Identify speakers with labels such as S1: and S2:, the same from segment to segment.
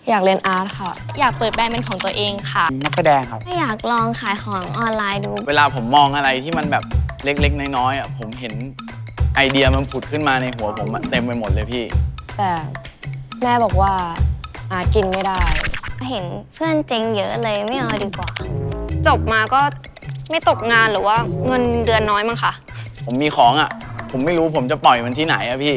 S1: อยากเรียนอาร์ตค่ะ
S2: อยากเปิดแบรนด์เป็นของตัวเองค่ะ
S3: นักแสดงครับ
S4: อยากลองขายของออนไลน์ดู
S5: เวลาผมมองอะไรที่มันแบบเล็กๆน้อยๆผมเห็นไอเดียมันผุดขึ้นมาในหัวผมเต็มไปหมดเลยพี่
S1: แต่แม่บอกว่าอาร์ตกินไม่ได้
S4: เห็นเพื่อนเจ๊งเยอะเลยไม่เอาดีกว่า
S6: จบมาก็ไม่ตกงานหรือว่าเงินเดือนน้อยมั้งคะ
S5: ผมมีของผมไม่รู้ผมจะปล่อยมันที่ไหนพี่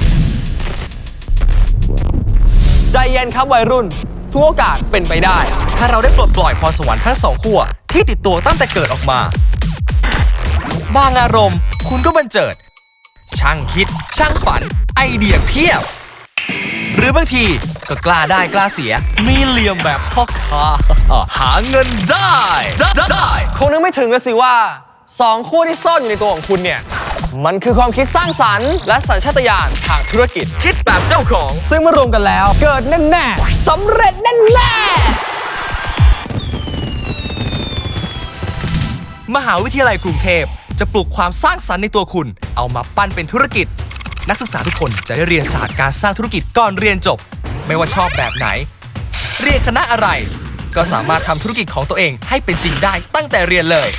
S7: ใจเย็นครับวัยรุ่นทุกโอกาสเป็นไปได้ถ้าเราได้ปลดปล่อยพรสวรรค์ทั้งสองขั้วที่ติดตัวตั้งแต่เกิดออกมาบางอารมณ์คุณก็บันเจิดช่างคิดช่างฝันไอเดียเพียบหรือบางทีก็กล้าได้กล้าเสียมีเหลี่ยมแบบพ่อค้าหาเงินได้คงนึกไม่ถึงแล้วสิว่าสองขั้วที่ซ่อนอยู่ในตัวของคุณเนี่ยมันคือความคิดสร้างสรรค์และสัญชาตญาณทางธุรกิจคิดแบบเจ้าของซึ่งมารวมกันแล้วเกิดแน่ๆสำเร็จแน่ๆมหาวิทยาลัยกรุงเทพจะปลุกความสร้างสรรค์ในตัวคุณเอามาปั้นเป็นธุรกิจนักศึกษาทุกคนจะได้เรียนศาสตร์การสร้างธุรกิจก่อนเรียนจบไม่ว่าชอบแบบไหนเรียนคณะอะไรก็สามารถทำธุรกิจของตัวเองให้เป็นจริงได้ตั้งแต่เรียนเลย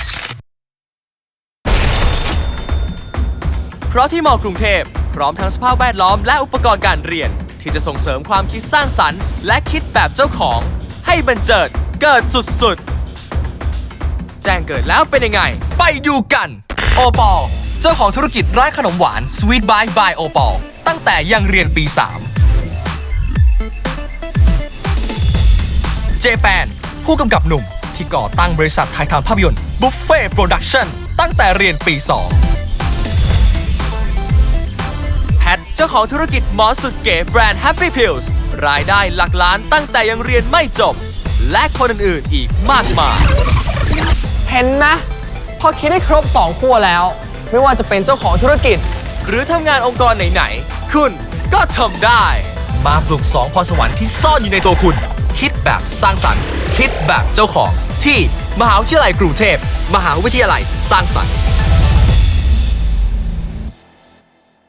S7: เพราะที่ม.กรุงเทพพร้อมทั้งสภาพแวดล้อมและอุปกรณ์การเรียนที่จะส่งเสริมความคิดสร้างสรรค์และคิดแบบเจ้าของให้บันเจิดเกิดสุดๆแจ้งเกิดแล้วเป็นยังไงไปดูกันโอปอลเจ้าของธุรกิจร้านขนมหวาน Sweet by โอปอลตั้งแต่ยังเรียนปี 3 เจแปนผู้กำกับหนุ่มที่ก่อตั้งบริษัทถ่ายทำภาพยนตร์ Buffet Production ตั้งแต่เรียนปี 2แพทเจ้าของธุรกิจหมอสุดเก๋แบรนด์ Happy Pills รายได้หลักล้านตั้งแต่ยังเรียนไม่จบและคนอื่นๆอีกมากมายเห็นไหมพอคิดได้ครบ2ขั้วแล้วไม่ว่าจะเป็นเจ้าของธุรกิจหรือทำงานองค์กรไหนๆคุณก็ทำได้มาปลุก2พรสวรรค์ที่ซ่อนอยู่ในตัวคุณคิดแบบสร้างสรรค์คิดแบบเจ้าของที่มหาวิทยาลัยกรุงเทพมหาวิทยาลัยสร้างสรรค์